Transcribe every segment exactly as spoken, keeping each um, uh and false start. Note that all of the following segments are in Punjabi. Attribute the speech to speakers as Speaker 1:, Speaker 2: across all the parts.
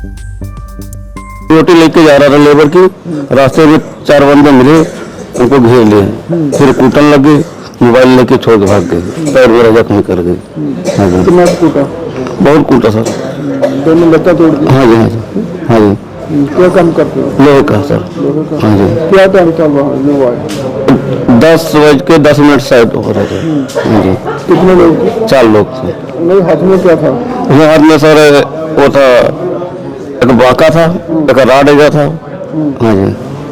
Speaker 1: रोटी लेके जा रहा था लेबर की, रास्ते में चार बंदे मिले, उनको घेर लिए, फिर कूटन लगे, मोबाइल लेके छोड़ के भाग गए, पैर मेरा जख्मी कर गए। हाँ जी,
Speaker 2: कितना कूटा?
Speaker 1: बहुत कूटा सर।
Speaker 2: दोनों लत्ता तोड़ दी?
Speaker 1: हाँ जी, हाँ जी, हाँ जी।
Speaker 2: क्या काम करते हो?
Speaker 1: लोहे का सर। हाँ जी।
Speaker 2: क्या टाइम था वहाँ?
Speaker 1: दस बज के दस मिनट शायद हो रहे थे। हाँ जी।
Speaker 2: कितने लोग थे?
Speaker 1: चार लोग थे।
Speaker 2: नहीं, हाथ में क्या था?
Speaker 1: ये हाथ में सर वो था, एक बाका था, एक राड एगा था। हाँ जी।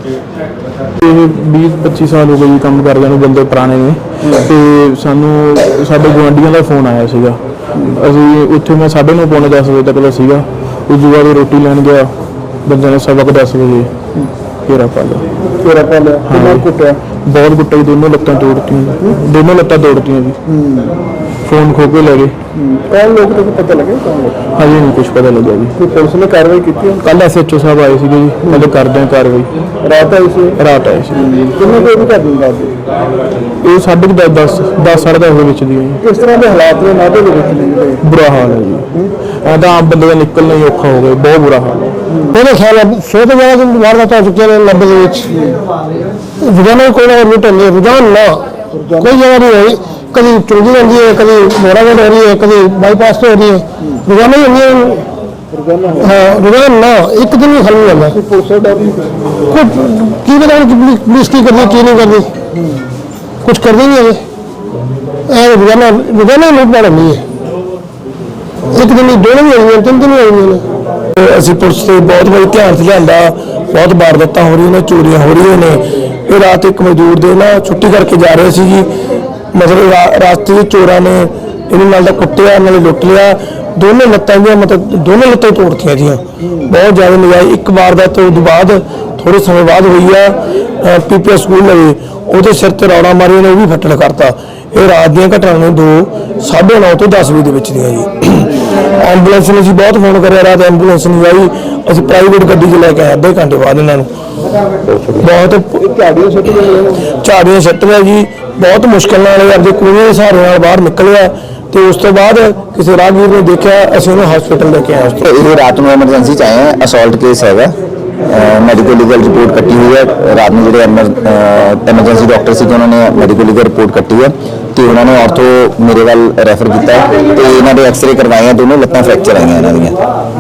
Speaker 3: बीस पच्चीस साल हो गए जी काम करदे ਨੂੰ ਬੰਦੇ ਪੁਰਾਣੇ ਨੇ ਤੇ ਸਾਨੂੰ ਸਾਡੇ ਗੁਆਂਢੀਆਂ ਦਾ ਫੋਨ ਆਇਆ ਸੀਗਾ। ਅਸੀਂ ਉੱਥੇ ਮੈਂ ਸਾਢੇ ਨੌ ਪੌਣੇ ਦਸ ਵਜੇ ਤੱਕ ਦਾ ਸੀਗਾ। ਉਸ ਤੋਂ ਬਾਅਦ ਰੋਟੀ ਲੈਣ ਗਿਆ, ਬੰਦੇ ਨੇ ਸਵਾ ਦਸ ਵਜੇ ਘੇਰਾ ਪਾ ਲਿਆ।
Speaker 2: ਘੇਰਾ ਪਾ ਲਿਆ? ਕਿੰਨਾ ਕੁੱਟਿਆ?
Speaker 3: ਬਹੁਤ ਕੁੱਟਿਆ ਜੀ, ਦੋਨੋਂ ਲੱਤਾਂ ਤੋੜਤੀਆਂ, ਦੋਨੋਂ ਲੱਤਾਂ ਤੋੜਤੀਆਂ ਜੀ। ਫੋਨ ਖੋ ਕੇ ਲੈ ਗਏ।
Speaker 2: कौन लोग थे, पता लगे कौन लोग?
Speaker 3: ਹਜੇ ਨਹੀਂ ਕੁਝ ਪਤਾ ਲੱਗਿਆ ਜੀ।
Speaker 2: फिर पुलिस ने कार्रवाई की थी?
Speaker 3: ਕੱਲ ਐਸ ਐਚ ਓ ਸਾਹਿਬ ਆਏ ਸੀਗੇ ਜੀ, ਕਹਿੰਦੇ ਕਰਦੇ ਆ ਕਾਰਵਾਈ।
Speaker 2: रात आई सी?
Speaker 3: ਰਾਤ ਆਏ ਸੀ।
Speaker 2: कितने कोई भी कर दिंदा सी?
Speaker 3: ਇਹ ਸਾਢੇ ਕੁ ਦਸ ਦਸ ਸਾਢੇ ਦਸ ਦੇ ਵਿੱਚ ਦੀ ਹੈ ਜੀ।
Speaker 2: किस तरह के हालात ने नादे दे विच ने ਜਿਹੜੇ?
Speaker 3: ਬੁਰਾ ਹਾਲ ਹੈ ਜੀ। ਐਂ ਤਾਂ ਆਮ ਬੰਦੇ ਦਾ ਨਿਕਲਣਾ ਹੀ ਔਖਾ ਹੋ ਗਿਆ, ਬਹੁਤ ਬੁਰਾ ਹਾਲ ਹੈ।
Speaker 4: ਉਹਦੇ ਖਿਆਲ ਸੌ ਤੋਂ ਜ਼ਿਆਦਾ ਵਾਰਦਾਤਾਂ ਹੋ ਚੁੱਕੀਆਂ ਨੇ ਨੱਬੇ ਦੇ ਵਿੱਚ। ਰੋਜ਼ਾਨਾ ਕੋਈ ਨਾ ਕੋਈ ਢੰਗੇ ਰੋਜ਼ਾਨਾ ਨਾ ਕੋਈ ਜਗ੍ਹਾ ਨਹੀਂ ਹੋਈ, ਕਦੀ ਚੁੰਗੀ ਜਾਂਦੀ ਹੈ, ਕਦੀ ਮੋਰਾਗੜ ਹੋ ਰਹੀ ਹੈ, ਕਦੀ ਬਾਈਪਾਸ ਤੋਂ ਹੋ ਰਹੀ ਹੈ, ਰੋਜ਼ਾਨਾ ਹੀ ਹੁੰਦੀਆਂ। ਹਾਂ ਰੋਜ਼ਾਨਾ ਨਾ ਇੱਕ ਦਿਨ ਵੀ ਹੱਲ ਨਹੀਂ ਹੁੰਦਾ।
Speaker 2: ਪੁਲਿਸ ਦਾ ਵੀ
Speaker 4: ਕੋਈ ਕੀ ਪਤਾ ਹੁਣ ਪੁਲਿਸ ਪੁਲਿਸ ਕੀ ਕਰਦੀ ਕੀ ਨਹੀਂ ਕਰਦੀ, ਕੁਝ ਕਰਦੀ ਨਹੀਂ ਹੈ। ਇਹ ਰੋਜ਼ਾਨਾ ਰੋਜ਼ਾਨਾ ਲੁੱਟ ਪਾੜ ਹੁੰਦੀ ਹੈ, ਇੱਕ ਦਿਨ ਨਹੀਂ, ਦੋ ਦਿਨ ਵੀ ਹੋਈਆਂ, ਤਿੰਨ ਦਿਨ ਵੀ ਹੋਈਆਂ ਨੇ।
Speaker 5: ਅਸੀਂ ਪੁਲਿਸ ਤੇ ਬਹੁਤ ਵਾਰੀ ਧਿਆਨ 'ਚ ਲਿਆਂਦਾ, ਬਹੁਤ ਵਾਰਦਾਤਾਂ ਹੋ ਰਹੀਆਂ ਨੇ, ਚੋਰੀਆਂ ਹੋ ਰਹੀਆਂ ਨੇ। ਇਹ ਰਾਤ ਇੱਕ ਮਜ਼ਦੂਰ ਦੇ ਨਾ ਛੁੱਟੀ ਕਰਕੇ ਜਾ ਰਹੇ ਸੀ ਜੀ, ਮਤਲਬ ਰਾਸਤੇ 'ਚ ਚੋਰਾਂ ਨੇ ਇਹਨੂੰ ਨਾਲ ਦਾ ਕੁੱਟਿਆ, ਨਾਲੇ ਲੁੱਟ ਲਿਆ। ਦੋਨੋਂ ਲੱਤਾਂ ਦੀਆਂ ਮਤਲਬ ਦੋਨੋਂ ਲੱਤਾਂ ਹੀ ਤੋੜਤੀਆਂ ਜੀਆਂ, ਬਹੁਤ ਜ਼ਿਆਦਾ ਨਜਾਇਜ਼। ਇੱਕ ਵਾਰਦਾਤ ਤੋਂ ਬਾਅਦ ਥੋੜੇ ਸਮੇਂ ਬਾਅਦ ਹੋਈ ਆ ਪੀ ਪੀ ਐਸ ਸਕੂਲ ਲਵੇ, ਉਹਦੇ ਸਿਰ ਤੇ ਰੌੜਾ ਮਾਰੀ ਨੇ, ਉਹ ਵੀ ਫੱਟੜ ਕਰਤਾ। ਇਹ ਰਾਤ ਦੀਆਂ ਘਟਨਾਵਾਂ ਨੇ, ਦੋ ਸਾਢੇ ਨੌ ਤੋਂ ਦਸ ਵਜੇ ਦੇ ਵਿੱਚ ਦੀਆਂ ਜੀ। ਐਂਬੂਲੈਂਸ ਨੂੰ ਅਸੀਂ ਬਹੁਤ ਫੋਨ ਕਰਿਆ, ਰਾਤ ਐਂਬੂਲੈਂਸ ਨਹੀਂ ਆਈ। ਅਸੀਂ ਪ੍ਰਾਈਵੇਟ ਗੱਡੀ 'ਚ ਲੈ ਕੇ ਆਏ ਅੱਧੇ ਘੰਟੇ ਬਾਅਦ ਇਹਨਾਂ ਨੂੰ। ਬਹੁਤ
Speaker 2: ਝਾੜੀਆਂ ਸੁੱਟ ਗਏ?
Speaker 5: ਝਾੜੀਆਂ ਸੱਟ ਲਿਆ ਜੀ, ਬਹੁਤ ਮੁਸ਼ਕਿਲ ਨਾਲ ਆਪਦੇ ਕੂਏ ਦੇ ਸਹਾਰੇ ਨਾਲ ਬਾਹਰ ਨਿਕਲਿਆ। ਤੇ ਉਸ ਤੋਂ ਬਾਅਦ ਕਿਸੇ ਰਾਹਗੀਰ ਨੇ ਦੇਖਿਆ, ਅਸੀਂ ਉਹਨੂੰ ਹਸਪੀਟਲ ਲੈ ਕੇ ਆਏ। ਉਸ ਤੋਂ
Speaker 6: ਇਹ ਰਾਤ ਨੂੰ ਐਮਰਜੈਂਸੀ 'ਚ ਆਏ ਹਾਂ, ਅਸੌਲਟ ਕੇਸ ਹੈਗਾ, ਮੈਡੀਕਲ ਲੀਗਲ ਰਿਪੋਰਟ ਕੱਟੀ ਹੋਈ ਹੈ। ਰਾਤ ਨੂੰ ਜਿਹੜੇ ਐਮਰਜੈਂਸੀ ਡਾਕਟਰ ਸੀ ਉਹਨਾਂ ਨੇ ਮੈਡੀਕਲ ਲੀਗਲ ਰਿਪੋਰਟ ਕੱਟੀ ਹੈ ਤੇ ਉਹਨਾਂ ਨੇ ਆਰਥੋ ਮੇਰੇ ਵੱਲ ਰੈਫਰ ਕੀਤਾ ਤੇ ਇਹਨਾਂ ਦੇ ਐਕਸਰੇ ਕਰਵਾਏ ਆ, ਦੋਨੋਂ ਲੱਤਾਂ ਫ੍ਰੈਕਚਰ ਆਈਆਂ ਇਹਨਾਂ ਦੀਆਂ।